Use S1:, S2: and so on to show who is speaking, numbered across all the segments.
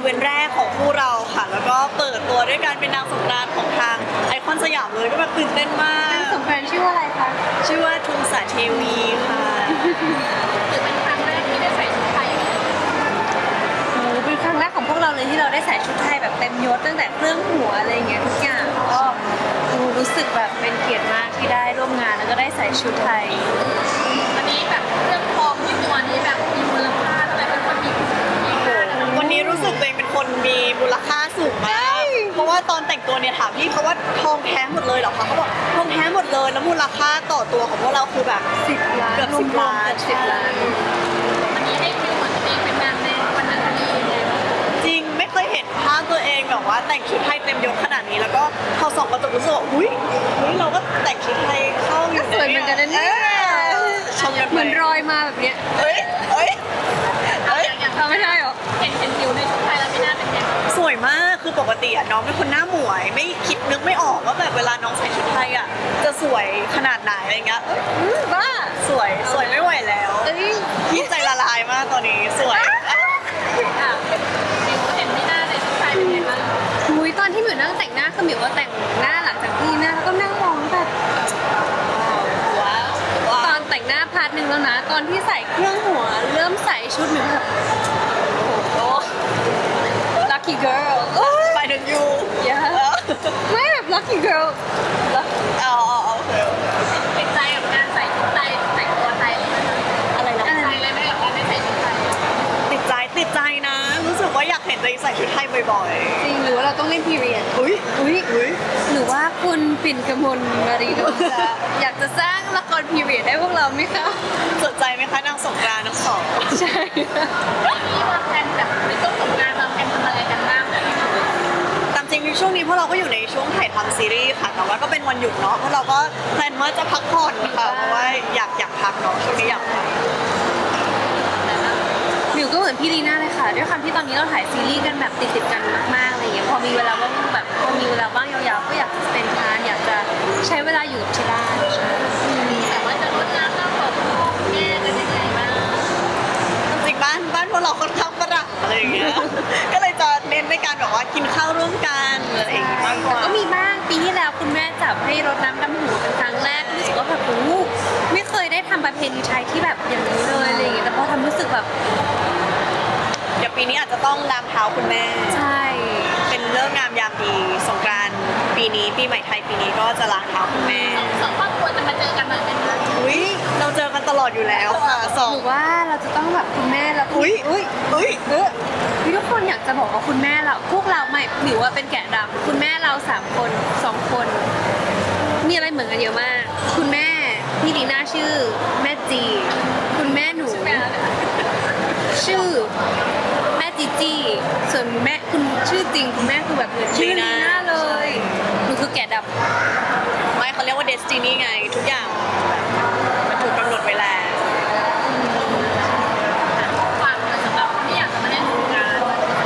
S1: วนต์แรกของคู่เราค่ะแล้วก็เปิดตัวด้วยการเป็นนางสงกรานต์ของทางไอคอนสยามเลยก็แบบตื่นเต้นมาก
S2: สงกรานต์ชื่อว่าอะไรคะ
S1: ชื่อว่าทุงสาเทวีค่ะ
S3: ถือเป็นครั้งแรกที่ได้ใส่ชุดไทย
S2: โอ้เป็นครั้งแรกของพวกเราเลยที่เราได้ใส่ชุดไทยแบบเต็มยศตั้งแต่เครื่องหัวอะไรอย่างเงี้ยทุกอย่างก็รู้สึกแบบเป็นเกียรติมากที่ได้ร่วมงานแล้วก็ได้ใส่ชุดไทย
S3: วันนี้แบบเรื่องทองที่ตัวนี้แบบมีมูลค่าอะไรเป็นคนมีค่า
S1: วันนี้รู้สึกตัวเองเป็นคนมีมูลค่าสูงมาก เพราะว่าตอนแต่งตัวเนี่ยถามพี่เขาว่าทองแท้หมดเลยเหรอคะเขาบอกทองแท้หมดเลยแล้วมูลค่าต่อตัวของพวกเราคือแบบ
S2: 10 ล้าน
S1: เกือบ10 ล้าน
S2: 10 ล้าน
S3: วันนี้ได้คิวเหมือนตัวเองเป็นนางในวันนั้นมีไงบ้าง
S1: จริงไม่เคยเห็นภาพตัวเองแบบว่าแต่งชุดไทยเต็มยศขนาดนี้แล้วก็พอส่องกระจกรู้สึกว่าอุ้ยเราก็แต่งชุดไทยเข้าอยู่
S2: สวยเหมือนกันนะเนี่ย
S1: ชมกัน
S2: เห
S1: ไป
S2: มือนรอยมาแบบเนี้ย
S1: เอ้ย
S3: อย่าง
S2: เอาไม่ได้หรอ
S3: เห็นคิวในชุดไทยแล้วไม่น่าเป็นไง
S1: สวยมากคือปกติอะน้องเป็นคนหน้าหมวย ไม่คิดนึกไม่ออกว่าแบบเวลาน้องใส่ชุดไทยอะจะสวยขนาดไหนอะไรเงี้ยเอ้ย
S2: บ้า
S1: สวยไม่ไหวแล้ว
S2: เอ้ย
S1: พี่ใจละลายมากตอนนี้สวย
S3: อ่ะคิวเห็นไม่น่าในชุดไทยเป็นไงบ้าง
S2: มุ้ยตอนที่หมิวนั่งแต่งหน้าคือหมิวว่าแต่งหน้าหลังจากที่หน้าแล้วก็นั่งมองแบบ
S1: ว้าวว้า
S2: ตอ
S1: วน
S2: แต่งหน้าพาร์ทหนึ่งแล้วนะ ตอนที่ใส่เครื่องหัวเริ่มใส่ชุดหมิวแบบโอ้ lucky girl
S1: ไปถึงยู
S2: yeah ไม่แบบ lucky girl
S1: เอาโอเค
S3: ติดใจกับการใส่ชุดไทยแต่งตัวไทยเลยไหม
S1: อะไรนะ
S3: ติดใจเลยไหมกับการได้ใส่ชุดไทย
S1: ติดใจนะ รู้สึกว่าอยากเห็นตัวเองใส่ชุดไทยบ่อย
S2: จริงหรือว่าเราต้องเล่น period
S1: ๆอุ้ย
S2: อุ้ยหรือว่าคุณปิ่นกมลมารีโดจะอยากจะสร้างละคร period ให้พวกเราไหมคะ
S1: สนใจไหมคะนางสงกรานต์ทั้งสอง
S2: ใช่
S3: นี่วางแผนแบบในช่วงสงกรานต์วางแผนทำอะไรกันบ้างเนี่ย
S1: ตามจริงช่วงนี้พวกเราก็อยู่ในช่วงถ่ายทำซีรีส์ค่ะแต่ว่าก็เป็นวันหยุดเนาะพวกเราก็แพลนว่าจะพักผ่อนค่ะเพราะว่าอยากพักเนาะช่วงนี้อยากพัก
S2: หมิวก็เหมือนพี่ลีน่าเลยค่ะด้วยความที่ตอนนี้เราถ่ายซีรีส์กันแบบติดๆกันมากๆอะไรอย่างเงี้ยพอมีเวลาว่างแบบพอมีเวลาว่างยาวๆก็อยากจะเป็นทานอยากจะใช้เวลาอยู่กับที่บ้านใช่
S3: แต่ว่าจะลดน้ำน้ำของแม่กันยังไงบ้าง
S1: จริงๆบ้านพวกเราค่อนข้างฝรั่งอะไรอย่างเงี้ย ก็เลยจะเน้นในการแบบว่ากินข้าวร่วมกันอะไรอย่างเงี้ยมากก
S2: แต่
S1: ว่า
S2: ก็มีบ้างปีที่แล้วคุณแม่จับให้รดน้ำดำหัวเป็นครั้งแรกรู้สึกว่าแบบโอ้โหไม่เคยได้ทำประเพณีไทยที่แบบอย่างนี้เลยอะไรอย่างเงี้ยแต่พอทำรู้สึกแบบ
S1: เดี๋ยวปีนี้อาจจะต้องล้างเท้าคุณแม่
S2: ใช่
S1: เป็นเรื่องงามยามดีสงกรานต์ปีนี้ปีใหม่ไทยปีนี้ก็จะล้างเท้าคุณแม่
S3: สองครอบครัวจะมาเจอกันหน่อยไหมคะ
S1: อุ้ยเราเจอกันตลอดอยู่แล้วค่ะสอง
S2: หรือว่าเราจะต้องแบบคุณแม่แล้ว
S1: อุ้ย
S2: พี่ทุกคนอยากจะบอกว่าคุณแม่เราพวกเราไม่หมิวว่าเป็นแกะดำคุณแม่เรา3 คน 2 คน มีอะไรเหมือนกันเยอะมาก คุณแม่พี่ลีน่าชื่อแม่จี คุณแม่หนู ชื่อแม่จีจีส่วนแม่คุณชื่อจริงคุณแม่คือแบบเหมือนชื่อลีน่าเลยหนูคือแกะดำ
S1: ไม่เขาเรียกว่าเดสตินีไงทุกอย่างมันถูกกำหนดไว้แล้ว
S3: ฝากเลยสำหรับคนที่อยากจะมาเล่นสงกรานต์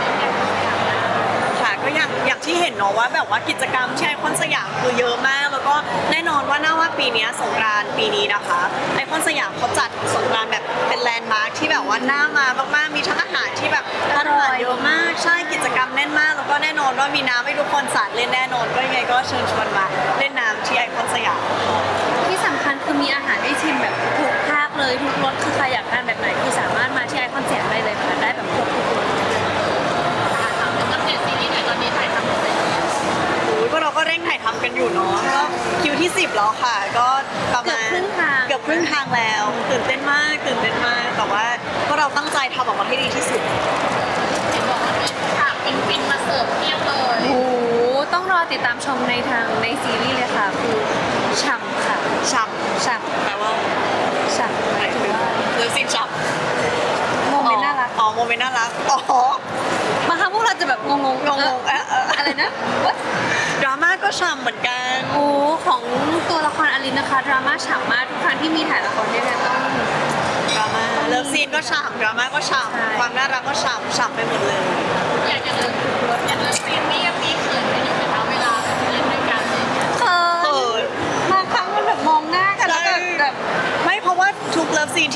S1: ค่ะก็อย่างที่เห็นเนาะว่าแบบว่ากิจกรรมที่ไอคอนสยามคือเยอะมาก แล้วก็แน่นอนว่าน่าว่าปีนี้สงกรานต์ปีนี้นะคะไอคอนสยามเขาจัดสงกรานต์แบบเป็นแลนด์มาร์คที่แบบว่าน่ามามากๆมีทั้งอาหารที่แบบร้านอาหารเยอะมากใช่กิจกรรมแน่นมาก แล้วก็แน่นอนว่ามีน้ำให้ทุกคนสาดเล่นแน่นอนก็ยังไงก็เชิญชวนมาเล่นน้ำที่ไอคอนสยาม
S2: ที่สำคัญคือมีอาหารให้ชิมแบบทุกภาคเลยทุกรสคือใครอยากทานแบบไหนคือสามารถมาที่ไอคอนเสิร์ตได้เลยค่ะได้แบบครบทุกรส
S3: ถามถึงอัปเดตซีรีส์หน่อยตอนนี้ถ่ายทำหมดเลย
S1: อุ้ยพวกเราก็เร่งถ่ายทำกันอยู่เนาะก็คิวที่ 10แล้วค่ะ ก็ประมาณ
S2: เกือบครึ่งทาง
S1: เกือบครึ่งทางแล้วตื่นเต้นมากแต่ว่าพวกเราตั้งใจทำออกมาให้ดีที่สุด
S3: เห็นบอกว่ามีฉากฟินๆมาเสิร์ฟเพียบเลย
S2: โอ้โหต้องรอติดตามชมในทางในซีรีส์เลยค่ะคือฉ่ำค่ะ
S1: ฉ่
S2: ฉ่
S1: ำแปลว่า
S2: ำฉ่ำ
S1: หมายถึงเลิฟซีนฉ่ำ
S2: โมเมนต์น่ารัก
S1: อ๋อโมเมนต์น่ารักอ๋อบ
S2: างครั้งพวกเราจะแบบงงๆ
S1: งง
S2: อะไรนะ What?
S1: ดราม่าก็ฉ่ำเหมือนกัน
S2: โอ้ของตัวละครอลินนะคะดราม่าฉ่ำมากทุกครั้งที่มีถ่ายละครด้วยกันต้อง
S1: ดราม่าเลิฟซีนก็ฉ่ำดราม่าก็ฉ่
S2: ใช่
S1: ำความน่ารักก็ฉ่ำไปหมดเลย
S3: อยากจะเลิกอยากเลิกซีนนี่ยังมีเขินกันอยู่ไหมคะเวลาเล่นด้วยกันเลย
S2: เขิ
S1: เอน อบ
S2: างครั้งมันแบบมองหน้ากันแล้วแบบ
S1: ไม่เพราะว่าทุกเลิฟซีนที่เล่นนะคะ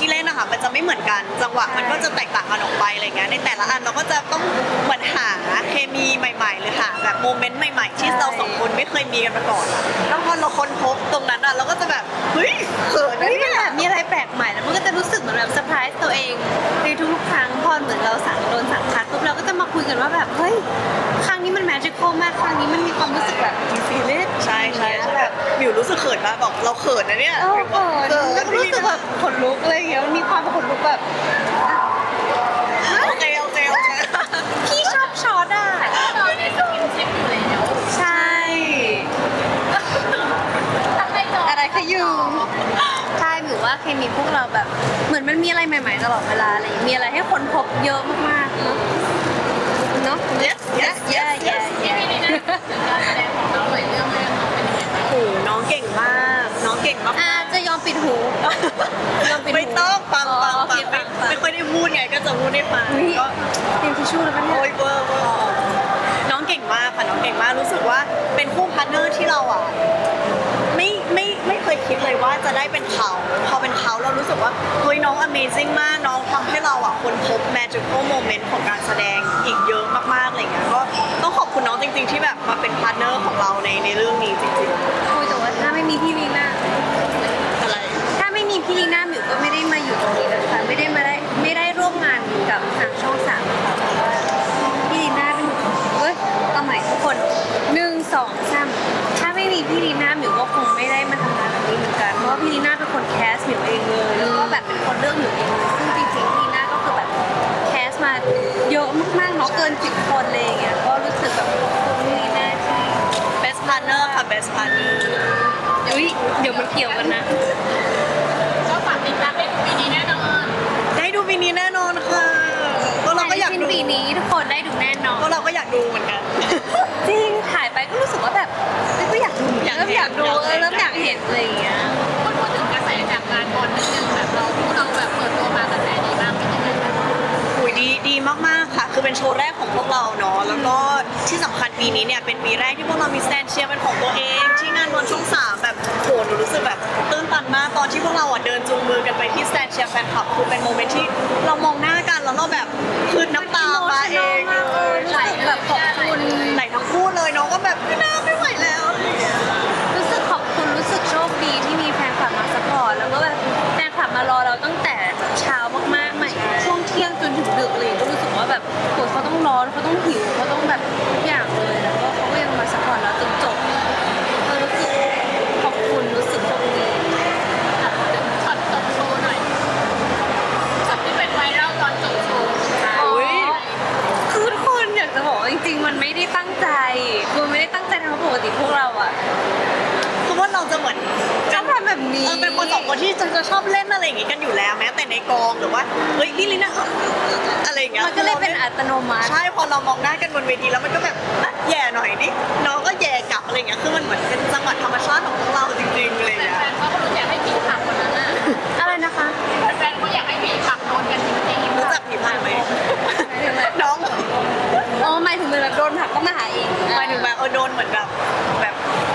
S1: ค่ะมันจะไม่เหมือนกันจังหวะมันก็จะแตกต่างกันออกไปอะไรเงี้ยในแต่ละอันเราก็จะต้องเหมือนหาเคมีใหม่ๆหรือหาแบบโมเมนต์ใหม่ๆที่เราสองคนไม่เคยมีกันมาก่อนอะแล้วพอเราค้นพบตรงนั้นอะเราก็จะแบบเฮ้ยเขินนะ
S2: เฮ้ยมัน
S1: เนี่ย
S2: แบบมีอะไรแปลกใหม่แล้วมันก็จะรู้สึกเหมือนแบบเซอร์ไพรส์ตัวเองในทุกๆครั้งพอเหมือนเราโดนสั่งคัดปุ๊บเราก็จะมาคุยกันว่าแบบเฮ้ยครั้งนี้มันแมจิคอลมากครั้งนี้มันมีความรู้สึกแบบฟีลลิ่ง
S1: ใช่ใช่ใช่แบบมิวรู้สึกเขินมากบอกเราเขินนะเนี่ย
S2: เออเขินแล้วก็รู้สึกแบบขนลุกอะไรอย่างเงี้ยมันมีความขนลุกแบบ
S1: โอเคโอเคโอเค
S2: พี่ชอบช็อตอ่ะ
S3: เราได้สกินชิปอยู่แล้ว
S2: ใช่
S3: ทำไมจอ
S2: อะไรขยุงใช่หรือว่าเคมีพวกเราแบบเหมือนมันมีอะไรใหม่ๆตลอดเวลาอะไรอย่างเงี้ยมีอะไรให้คนพบเยอะมากๆเนาะเนาะ
S1: yes yes yes yes
S3: พี่นี่นะถึงการแสดงของเราหน่อยเรื่องแรกน้องเป็นยังไงบ้าง
S1: โอ้โหน้องเก่งมากน้องเก่งมาก
S2: จะยอมปิดหูยอมปิดหู
S1: ไม่ต้องฟังฟัง
S2: โอ
S1: ฟั
S2: เค
S1: ง
S2: ฟัง
S1: ไม่ค่อยได้พูดไงก็จะพูดให้ฟัง
S2: อุ๊ย
S1: ก็
S2: เตรียมทิชชู่แล้วปะเนี่ย
S1: โอ้ยเวอร์เวอร์น้องเก่งมากค่ะน้องเก่งมากรู้สึกว่าเป็นคู่พาร์ทเนอร์ที่เราอ่ะไม่เคยคิดเลยว่าจะได้เป็นเขาพอเป็นเขาเรารู้สึกว่าเฮ้ยน้อง Amazing มากน้องทำให้เราอ่ะค้นพบ magical moment ของการแสดงอีกเยอะมากๆอะไรเงี้ยก็ต้องขอบคุณน้องจริง ๆ ที่แบบมาเป็นพาร์ทเนอร์ของเราในเรื่องนี้จริง
S2: คุยแต่ว่าถ้าไม่มีพี่ลีน่า
S1: ๆอะไร
S2: ถ้าไม่มีพี่ลีน่าหมิวก็ไม่ได้มาอยู่ตรงนี้นะคะไม่ได้ร่วมงานกับทางช่องสามค่ะเพราะว่าพี่ลีน่าเป็นเฮ้ยเอาใหม่ทุกคน1 2 3ถ้าไม่มีพี่ลีน่าหมิวก็คงไม่ได้มาทำงานแบบนี้เหมือนกันเพราะว่าพี่ลีน่าเป็นคนแคสหมิวเองเลยแล้วก็แบบเป็นคนเลือกหมิวเองเลยซึ่งจริงๆพี่ลีน่าก็คือแบบแคสมาเยอะมากๆเนาะเกิน10 คนเลยอย่างเงี้ยก็รู้สึกแบบขอบคุณพี่ลีน่าที่
S1: best partner ค่ะ best partner
S2: อุ้ยเดี๋ยวมันเกี่ยวกันนะ
S3: ก็ฝากติดตามได้ปีนี้แน่นอน
S1: ได้ดูปีนี้แน่นอนค่ะก็เราก็อยาก
S2: สิ้น
S1: ดู
S2: ปีนี้ทุกคนได้ดูแน่นอน
S1: ก็เราก็อยากดูเหมือนกัน
S2: จริงถ่ายไปก็รู้สึกว่าแบบเอ้ยก็อยากดู
S1: อยาก
S2: เริ่ม
S1: เห็น
S2: อยากดู
S1: อยากเห็น
S2: เริ่มอยากเห็นอะไรอย่างเงี้ย
S3: พูดถึงกระแสจากงานบอลนิดนึงแบบเราแบบเปิดตัวมากระแสดีมากเป็นยังไงบ้าง
S1: อุยดีมากๆค่ะ คือเป็นโชว์แรกของพวกเราเนาะแล้วก็ที่สำคัญปีนี้เนี่ยเป็นปีแรกที่พวกเรามีสแตนเชียร์เป็นของตัวเอง ที่งานบอลช่อง3แบบโหหนูรู้สึกแบบตื้นตันมากตอนที่พวกเราอ่ะเดินจูงมือกันไปที่สแตนเชียร์แฟนคลับคือเป็นโมเมนต์ที่เรามองหน้ากันแล้วเราแบบคือน้ำตามาเองเลย
S2: ใช่แบบขอบคุณ
S1: ไหนทั้งคู่เลยน้องก็แบบไม่น่าไม่ไหวแล้วอะไรอย่างเงี้ย
S2: รู้สึกขอบคุณรู้สึกโชคดีที่มีแฟนคลับมาสปอร์ตแล้วก็แบบแฟนคลับมารอเราตั้งแต่เช้ามากๆใหม่ช่วงเที่ยงจนถึงดึกเลยก็รู้สึกว่าแบบโหเขาต้องร้อนเขาต้องหิวเขาต้องแบบทุกอย่างเลยแล้วก็เขาก็ยังมาสปอร์ตเราจนจบรู้สึกขอบคุณรู้สึกโชคดี
S3: อ่ะพูดถึงช็อตจบโชว์หน่อยช็อตที่เป็นไวรัลตอนจบโชว์
S1: อุ๊ย
S2: คือทุกคนอยากจะบอกว่าจริงๆ มันไม่ได้ตั้งใจคือไม่ได้ตั้งใจทำเพราะปกติพวกเราอะ
S1: คือว่าเราจะเหมือน
S2: ชอบทำแบบนี้
S1: เป็นคนสองคนที่จะชอบเล่นอะไรอย่างงี้กันอยู่แล้วแม้แต่ในกองหรือว่าเฮ้ยพี่ลิน่าอะไรอย่างเงี้ย
S2: มันก็เลยเป็นอัตโนมัติ
S1: ใช่พอเรามองหน้ากันบนเวทีแล้วมันก็แบบอ่ะแย่หน่อยดิน้องก็แย่กลับอะไรอย่างเงี้ยคือมันเหมือนเป็นจังหวะธรรมชาติของพวกเราจริงๆอะไรอย่างเงี้ย
S3: แฟนๆเขาก็รู้อยากให้ผีผักคนนั้นน่ะ
S2: อะไรนะคะ
S3: แฟนๆเขาอยากให้ผีผักโดนกันจริงๆ
S1: รู้จักผีพายไหมน้อง
S2: อ๋อหมายถึงเวลาโดนผลักก็มาหาเอง
S1: หมายถึงแบบโดนเหมือนแบบแบบ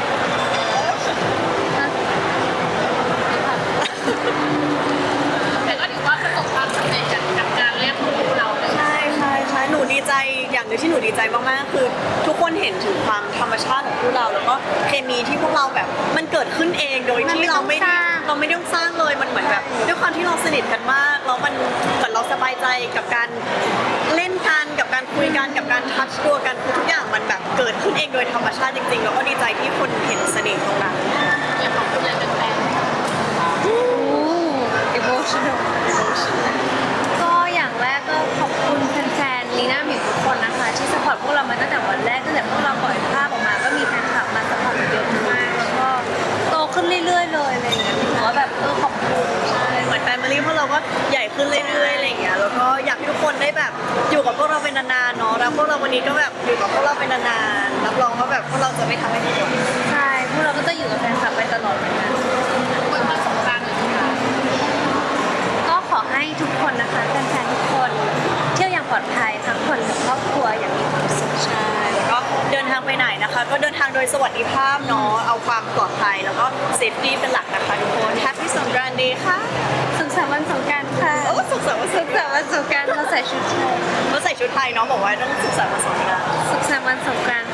S3: แต่ก็ถือว่าประสบความสำเร็จจากการแรกของพวกเราเลย
S1: ใช่ใช่ใช่หนูดีใจอย่างหนึงที่หนูดีใจมากๆคือ ทุกคนเห็นถึงความธรรมชาติของพวกเราแล้วก็เคมีที่พวกเราแบบมันเกิดขึ้นเองโดยที่เราไม่ได้ต้องสร้างเลยมันเหมือนแบบด้วยความที่เราสนิทกันมากแล้วมันเหมือนเราสบายใจกับการเล่นกันกับการคุยกันกับการทัชตัวกันคือทุกอย่างมันแบบเกิดขึ้นเองโดยธรรมชาติจริงๆแล้วก็ดีใจที่คนเห็นเสน่ห์ตรงนั้น
S3: อยากขอบคุณอะไรแฟน
S2: โอ้ emotional ก็อย่างแรกก็ขอบคุณแฟนๆลีน่าหมิวทุกคนนะคะ ที่สปอร์ตพวกเรามาตั้งแต่วันแรกตั้งแต่พวกเราปล่อยภาพออกมาก็มีแฟนคลับมาสปอร์ตเยอะมากแล้วก็โตขึ้นเรื่อยๆเลยอะไรอย่างเงี้ยถือว่าแบบขอบคุณ
S1: เหมือนแฟมิลี่พวกเราก็ใหญ่ขึ้นเรื่อยๆอะไรอย่างเงี้ยแล้วก็อยากให้ทุกคนได้แบบอยู่กับพวกเราเป็นนานๆเนาะแล้วพวกเราวันนี้ก็แบบอยู่กับพวกเราเป็นนานๆรับรองว่าแบบพวกเราจะไม่ทำให้ผิดหวัง
S2: ใช่พวกเราก็จะอยู่กับแฟนคลับไปตลอดเหมือนกัน
S3: ๆวันวันสงกรานต์เลยค่ะ
S2: ก็ขอให้ทุกคนนะคะแฟนๆทุกคนเที่ยวอย่างปลอดภัยทั้งคนกับครอบครัวอย่างมีความสุข
S1: ใช่แล้วก็เดินทางไปไหนนะคะ ก็เดินทางโดยสวัสดิภาพเนาะเอาความปลอดภัยแล้วก็เซฟตี้เป็นหลักนะคะทุกคน Happy สงกรานต์ Day ค่ะ
S2: สุขสันต์วันสงกรานต์ค่ะ
S1: ชุดไทยเนาะบอกว่าต้องสุขสันต์วันสงกรานต์
S2: สุขสันต์วันสงกรานต์